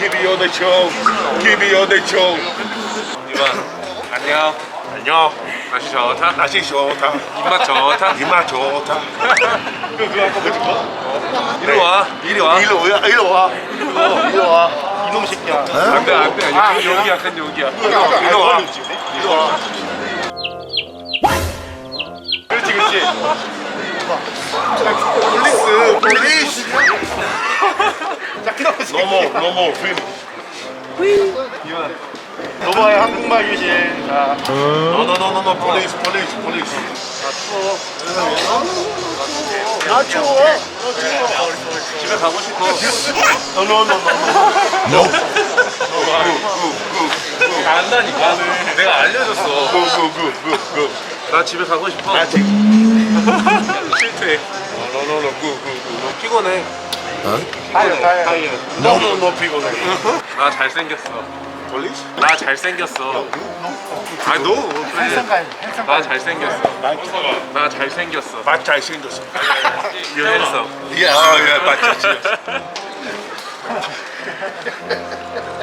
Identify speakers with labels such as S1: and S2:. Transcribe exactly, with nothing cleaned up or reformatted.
S1: Give me all the show. Give me all the show.
S2: 이만 안녕.
S1: 안녕.
S2: 날씨 좋다.
S1: 날씨 좋다.
S2: 입맛 좋다.
S1: 입맛 좋다. 그 그거 아까 뭐지? 거?
S2: 이리 와. 이리 와.
S1: 이리 와. 이리 와. 이리 와. 이놈 새끼야.
S2: 안돼 안돼. 큰 용기야 큰 용기야.
S1: 이리 와. 이리 와. 그렇지 그렇지. 폴리스 폴리스. 너무 너무 휘. 너머의 한국말 유신. 자. 너너너너너 폴리스 폴리스 폴리스. 아 추워. 아 추워.
S2: 집에 가고 싶어.
S1: 너너너너.
S2: 안다니까. 내가 알려줬어.
S1: 구구구구구.
S2: 나 집에 가고 싶어.
S1: 아직.
S2: 실패.
S1: 너너너 구구구.
S2: 피곤해.
S1: 타이어 타이어. 너너너 피곤해.
S2: 나 잘생겼어.
S1: 폴리스?
S2: 나 잘생겼어. 아 너. 나 잘생겼어. 나 잘생겼어.
S1: 맛 잘생겼어.
S2: 유해서.
S1: 야, 야, 맛 잘생겼어.